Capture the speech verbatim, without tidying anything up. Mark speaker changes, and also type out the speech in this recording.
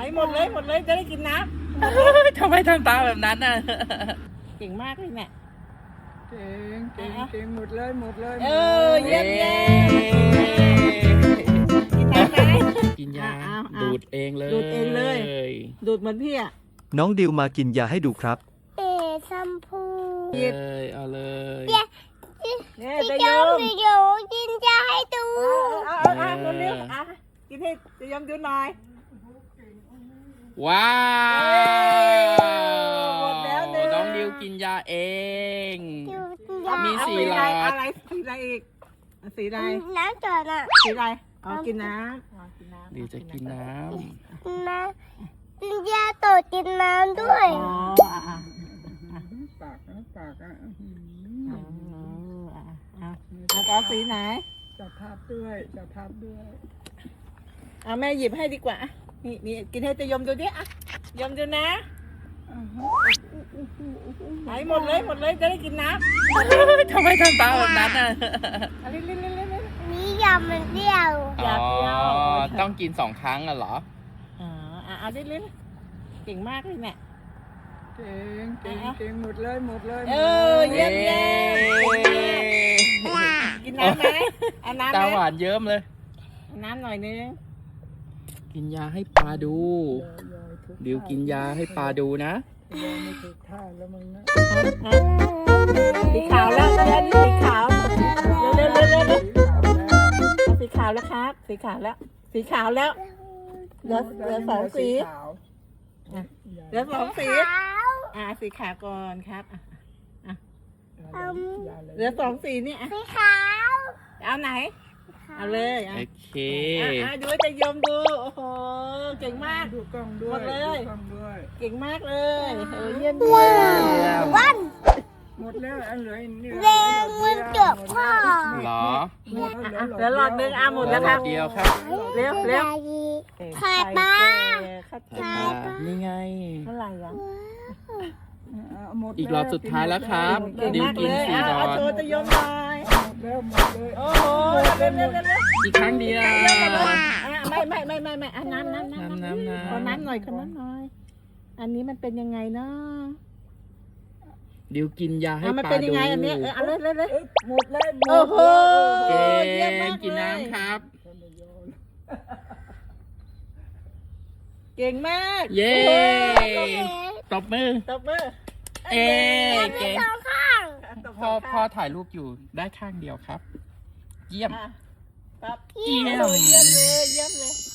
Speaker 1: หมดเลยหมดเลยจะได้กินน้ำ
Speaker 2: ทำไมทำตาแบบนั้นน่ะ
Speaker 1: เก่งมากเลยเนี่ย
Speaker 3: เก่งเก่งเก่งหมดเลยหมดเลย
Speaker 1: เออเยี่ยมเยี่ยมกินน้ำไหม
Speaker 2: กินยา
Speaker 1: เอาเอา
Speaker 2: ดูดเองเลย
Speaker 1: ดูดเองเลย ดูดเหมือนพี่อ่ะ
Speaker 4: น้องดิวมากินยาให้ดูครับ
Speaker 5: เอ๋ชมพู
Speaker 2: เอ้ยเอาเลย
Speaker 1: เนี่ย
Speaker 5: พี่
Speaker 1: จะ
Speaker 5: เจ้าย
Speaker 1: ม
Speaker 5: พี่โยกินยาให้ดู
Speaker 1: เอาเอาเอาเอาเร็วๆอ่ะกินให้จะยมดูหน่อย
Speaker 2: ว้าว
Speaker 1: หมดแล้วหนึ่ง
Speaker 2: น้องดิวกินยาเอง
Speaker 5: ดู
Speaker 1: เอา
Speaker 5: ยา
Speaker 2: มี
Speaker 1: เอา
Speaker 2: สี่
Speaker 1: สี
Speaker 2: หล
Speaker 1: อะไร
Speaker 2: อด
Speaker 1: อะไรสีอะไรอีกเอาสีอะไร
Speaker 5: น้ำจอดอ่ะ
Speaker 1: สีอะไรอ๋อกินน้ำอ๋อกินน้ำ
Speaker 2: ดิวจะกินน้
Speaker 5: น้ำกินยาต่อกินน้ำด้วย
Speaker 1: อ๋ออ่ะอ่ะ
Speaker 3: ปากนะปากอ่ะ
Speaker 1: อ๋ออ่ะอ่ะแล้วก็เอาสีไหน
Speaker 3: จะทับด้วยจะทับด้วย
Speaker 1: เอาแม่หยิบให้ดีกว่าอ่ะนี่นี่กินให้จะยมดูดิอ่ะยมดูนะไหนหมดเลยหมดเลยจะได้กินน้ำ
Speaker 2: ำทำไมทำตาแบบนั้นน่ะ
Speaker 1: เอาเร็วๆๆๆ
Speaker 5: นี่ยามันเดียว
Speaker 1: อยากเที่ยว
Speaker 2: อ๋อต้องกินสองครั้งอ่ะเหรอ
Speaker 1: ๆอ๋ออ่ะเอาเร็วๆเก่งมากเลยเนี่ย
Speaker 3: เก่งเก่งเก่งหมดเลยหมดเลย
Speaker 1: เออเยี่ยมเยี่ยมกินน้ำไหมเอาน้ำ
Speaker 2: ตา
Speaker 1: ไห
Speaker 2: ห
Speaker 1: ม
Speaker 2: วานเยิ้มเลย
Speaker 1: เอาน้ำหน่อยนึง
Speaker 2: กินยาให้ปลาดู ดิวกินยาให้ปลาดูนะ
Speaker 3: ยังไม่ถูกท่าแล้วมึงนะ
Speaker 1: สีขาวแล้วแล้วนี่สีขาวเร็วๆเร็วๆสีขาวแล้วครับ สีขาวแล้ว สีขาวแล้วเหลือเหลือสองสีเหลือสองสี
Speaker 5: ขาว
Speaker 1: อ่าสีขาวก่อนครับอ่ะ
Speaker 5: อืม
Speaker 1: เหลือสองสีนี่อ่ะ
Speaker 5: สีขาว
Speaker 1: เอาไหน เอาเลยอ่ะ
Speaker 2: โอเค
Speaker 1: อ่ะอ่ะดูให้จะยมดูโอ้โหเก่งมาก
Speaker 3: ดูกล้องด้วย
Speaker 1: หมดเลย
Speaker 3: ดูกล้องด้วย
Speaker 1: เก่งมากเลยเออเยี่ยมเยี่ยม
Speaker 5: วัน
Speaker 3: หมดแล้วอันเหลือนี่
Speaker 5: แดงมันจบพ่อ
Speaker 2: เหรอ
Speaker 3: หมด
Speaker 1: อ่ะ
Speaker 3: แล้ว
Speaker 1: เหลือหลอดหนึงอ่ะหมดแล้วครับ
Speaker 2: เดียวครับ
Speaker 1: เร็วเร็ว
Speaker 5: ไข่ปลา
Speaker 1: ข้าว
Speaker 2: อ่
Speaker 1: เจ้า
Speaker 2: านี่ไง
Speaker 1: เท่าไหร่อ่ะ
Speaker 3: หมด
Speaker 2: อีกรอบสุดท้ายแล้วครับ
Speaker 1: เก่ง
Speaker 2: ดิว
Speaker 1: มาก
Speaker 2: กิ
Speaker 1: เล
Speaker 2: น
Speaker 1: ย
Speaker 2: สี่
Speaker 1: อ่ะ
Speaker 2: หลอ
Speaker 1: เอา
Speaker 2: ด
Speaker 1: โชว์จะยมหน่อย
Speaker 3: หมดแล้วหมดเลย
Speaker 1: โอ้โหเร็วเร็วเร็วเร็ว
Speaker 2: อีกครั้งเดียว
Speaker 1: อ่ะไม่ไม่ไม่ไม่ไม่อ่ะน้ำน้ำน้ำ
Speaker 2: น้ำน้ำน้ำ
Speaker 1: ขอน้ำหน่อยขอน้ำหน่อย อันนี้มันเป็นยังไงเนาะ
Speaker 2: ดิวกินยาให้
Speaker 1: อ่ะมัน
Speaker 2: ปลา
Speaker 1: เป็นยั
Speaker 2: ดู
Speaker 1: งไงอันเนี้ยเออเอาเลยเลยเลย
Speaker 3: หมดแล้วหมด
Speaker 1: โอ้โห
Speaker 2: เก่
Speaker 1: เยี่ยมมาง ก
Speaker 2: กิน
Speaker 1: เลย
Speaker 2: น้ำครับ
Speaker 1: เก่งมาก
Speaker 2: เย้
Speaker 1: โอ้โห
Speaker 2: ตบมือ
Speaker 1: ตบมือ
Speaker 2: เอ้เก่ง
Speaker 5: สองข้าง
Speaker 1: ตบ
Speaker 2: พ่อ
Speaker 1: มื
Speaker 2: พ่อถ่ายรูปอยู่ได้ข้างเดียวครับ เยี่ยม
Speaker 1: อ่ะครับ
Speaker 2: เยี่ยม
Speaker 1: เยี่ยมเลยเยี่ยมเลย